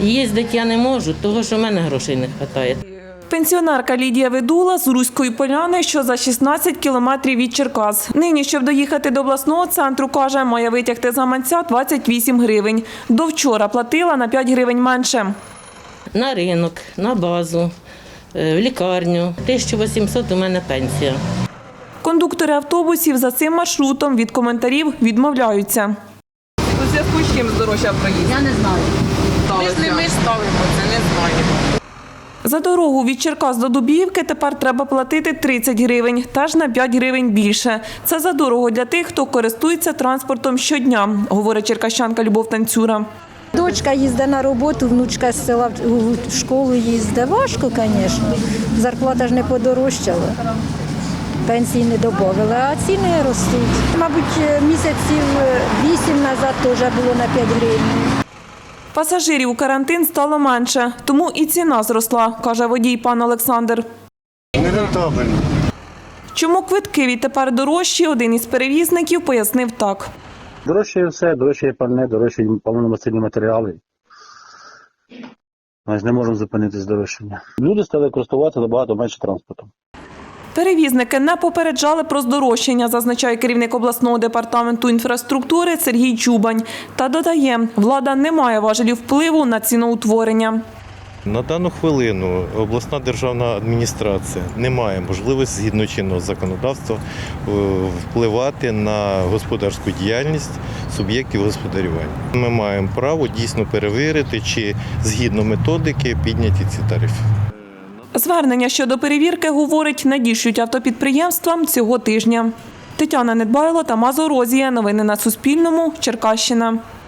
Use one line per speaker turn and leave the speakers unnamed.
Їздити я не можу, тому що в мене грошей не вистачає.
Пенсіонерка Лідія Ведула з Руської Поляни, що за 16 кілометрів від Черкас. Нині, щоб доїхати до обласного центру, каже, має витягти з гаманця 28 гривень. До вчора платила на 5 гривень менше.
На ринок, на базу, в лікарню. 1800 у мене пенсія.
Кондуктори автобусів за цим маршрутом від коментарів відмовляються.
У зв'язку з чим здорожчав проїзд?
Я не знаю.
Ми ж ставимо, це не знаємо.
За дорогу від Черкас до Дубіївки тепер треба платити 30 гривень, теж на 5 гривень більше. Це задорого для тих, хто користується транспортом щодня, говорить черкащанка Любов Танцюра.
Дочка їздить на роботу, внучка з села в школу їздить. Важко, звісно. Зарплата ж не подорожчала. Пенсії не додали, а ціни ростуть. Мабуть, місяців 8 назад теж було на 5 гривень.
Пасажирів у карантин стало менше, тому і ціна зросла, каже водій пан Олександр.
Нерентабельно.
Чому квитки відтепер дорожчі, один із перевізників пояснив так.
Дорожче все, дорожче пальне, дорожче паливно-мастильні матеріали. Ми ж не можемо зупинити здорожчання. Люди стали користуватися набагато менше транспортом.
Перевізники не попереджали про здорожчання, зазначає керівник обласного департаменту інфраструктури Сергій Чубань. Та додає, влада не має важелів впливу на ціноутворення.
На дану хвилину обласна державна адміністрація не має можливості, згідно чинного законодавства, впливати на господарську діяльність суб'єктів господарювання. Ми маємо право дійсно перевірити, чи згідно методики підняті ці тарифи.
Звернення щодо перевірки, говорить, надішлють автопідприємствам цього тижня. Тетяна Недбайло, Тамас Орозія. Новини на Суспільному. Черкащина.